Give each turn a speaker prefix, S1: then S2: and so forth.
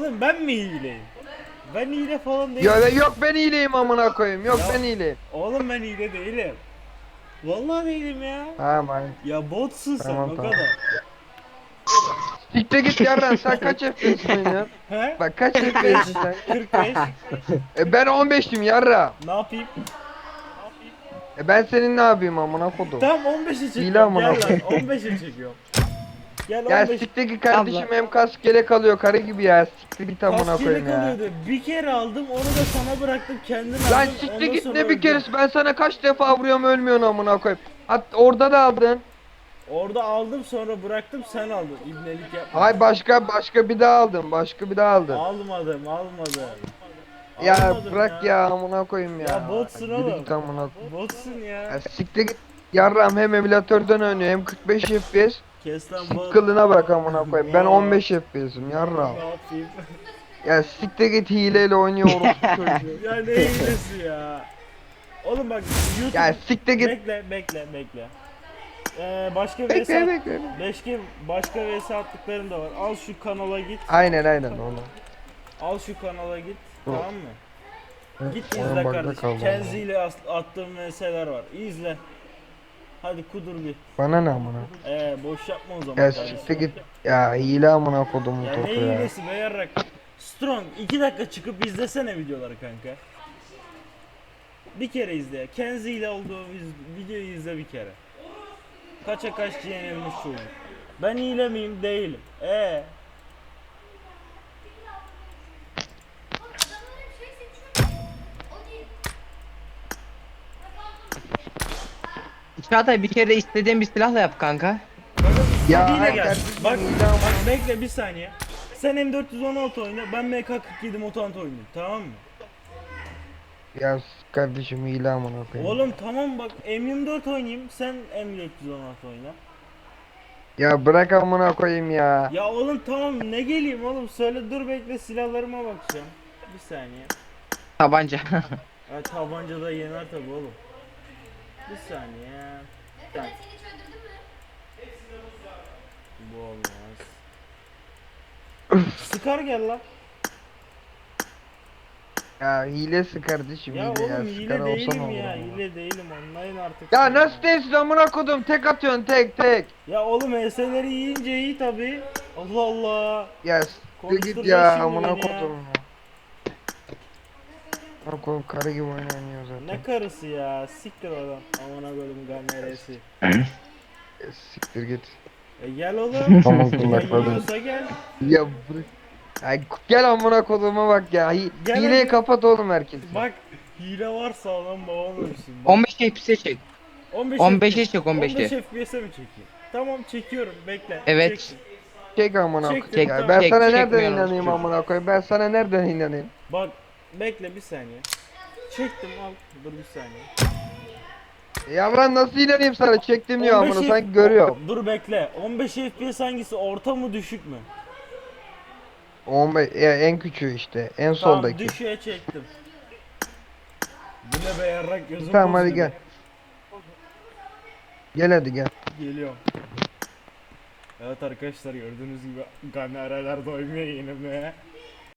S1: Oğlum ben mi hileyim? Ben hile falan değilim.
S2: Ya yok ben iyileyim amına koyayım. Yok
S1: Ya-
S2: ben iyileyim.
S1: Oğlum ben hile değilim. Vallahi değilim ya.
S2: Tamam
S1: Ya botsun sen
S2: tamam
S1: o
S2: tamam.
S1: kadar.
S2: Siktir git yarran sen kaç FPS oynuyorsun?
S1: He?
S2: Bak kaç
S1: 45.
S2: FPS'sin sen?
S1: 45.
S2: Ben 15'tim yarra.
S1: Ne yapayım?
S2: Ben senin ne yapayım amına kodum?
S1: Tamam 15'e
S2: Hile
S1: çekiyorum.
S2: amına
S1: Gel lan
S2: koyayım.
S1: 15'e çekiyorum. Gel
S2: Ya
S1: 15.
S2: siktir git kardeşim hem kask gerek alıyor karı gibi ya. Siktir git amına
S1: Kask
S2: koyayım
S1: yelek
S2: ya.
S1: alıyordu. Bir kere aldım onu da sana bıraktım kendim aldım.
S2: Lan siktir
S1: ondan
S2: git
S1: sonra
S2: ne bir
S1: öldüm.
S2: keresi ben sana kaç defa vuruyorum ölmüyorsun amına koyayım. Orada da aldın.
S1: Orada aldım sonra bıraktım sen aldın. İbnelik yapma.
S2: Hay başka bir daha aldın. Başka bir daha aldın.
S1: Almadım.
S2: Ya
S1: Almadım
S2: bırak ya amına koyayım ya.
S1: Ya botsun
S2: Yürü
S1: oğlum.
S2: git amına koyayım.
S1: Botsun ya.
S2: Ya siktir git. Yarram hem emülatörden oynuyor hem 45 FPS.
S1: Kes lan bot.
S2: Kılına bak amına koyayım. Ben
S1: Bot.
S2: 15 FPS'im yarram.
S1: Ne yapayım?
S2: Ya siktir git hileyle oynuyor orospu çocuğu.
S1: Ya ne hilesi ya. Oğlum bak YouTube.
S2: Ya siktir git.
S1: Bekle. Başka vs
S2: Bekle.
S1: başka vs attıklarım da var. Al şu kanala git.
S2: Aynen onu.
S1: Al şu kanala git. Tamam mı? Git
S2: Oyun
S1: izle
S2: bug'da
S1: kardeşim.
S2: kaldı
S1: Kenzi ile attığım vs'ler var. İzle. Hadi kudur bir.
S2: Bana ne amına?
S1: Boş yapma o zaman
S2: Ya
S1: kardeşim.
S2: siktir git. Ya hile amına kodumu
S1: Ya ne
S2: topu ya.
S1: hilesi be yarrak. Strong 2 dakika çıkıp izlesene videoları kanka. Bir kere izle. Kenzi ile olduğu videoyu izle bir kere. Kaça kaç yenilmiş çocuk. Ben hile miyim? Değilim.
S3: Çağatay bir kere istediğin bir silahla yap kanka.
S2: Ya
S1: Hile
S2: ay
S1: gel.
S2: kardeşim,
S1: Bak,
S2: hile amına-
S1: bak bekle bir saniye. Sen M416 oyna, ben MK47 Mutant oynayayım. Tamam mı?
S2: Ya kardeşim hile amına koyayım.
S1: Oğlum tamam bak M24 oynayayım, sen M416 oyna.
S2: Ya bırak amına koyayım ya.
S1: Ya oğlum tamam ne geleyim oğlum söyle dur bekle silahlarıma bakacağım. Bir saniye.
S3: Tabanca.
S1: Ha, tabancada yener tabi oğlum. Bir saniye. Bak. Bu olmaz. Sıkar gel lan.
S2: Ya hilesi kardeşim
S1: Ya
S2: hile ya.
S1: oğlum
S2: Sıkar
S1: hile
S2: olsan
S1: değilim
S2: olur
S1: ya.
S2: ama.
S1: Hile değilim anlayın artık.
S2: Ya nasıl değilsin amına kodum tek atıyorsun tek.
S1: Ya oğlum ES'leri yiyince iyi tabi. Allah Allah.
S2: Ya siktir git
S1: Konuşturacak
S2: ya
S1: şimdi
S2: amına
S1: beni ya.
S2: kodum ya. Amına kodum karı gibi oynanıyor zaten.
S1: Ne karısı ya? Siktir oradan. Amına koydum gameresi.
S2: Siktir git.
S1: Gel oğlum.
S2: Tamam
S1: Ya
S2: kulaklarım.
S1: yiyorsa gel.
S2: Ya bırak. Ay gel amına koduma bak ya.
S1: Gel
S2: Hileyi
S1: hadi.
S2: kapat oğlum herkes.
S1: Bak hile varsa adam babam ölsün. Bak.
S3: 15 FPS'e çek. 15'e çek 15'e.
S1: 15 FPS'e mi çekeyim? Tamam çekiyorum bekle.
S3: Evet.
S1: Çektim.
S2: Çek amına
S1: Çektim,
S2: koyayım.
S1: tamam.
S2: Ya ben
S3: Çek,
S2: sana
S3: çekmiyor
S2: nereden
S3: orospu
S2: inanayım
S3: çocuğu.
S2: amına koyayım? Ben sana nereden inanayım?
S1: Bak bekle bir saniye. Çektim al. Dur bir saniye.
S2: Ya ben nasıl inanayım sana? Çektim diyor
S1: 15
S2: amına
S1: F-
S2: sanki görüyorum.
S1: Dur bekle. 15 FPS hangisi? Orta mı düşük mü?
S2: 15 ya en küçüğü işte. En
S1: Tamam
S2: soldaki.
S1: düşüğe çektim. Bu ne be yarrak gözüm
S2: Tamam hadi
S1: bozuldu.
S2: gel. Gel hadi gel.
S1: Geliyorum. Evet arkadaşlar gördüğünüz gibi kamereler doymuyor yenilmeye.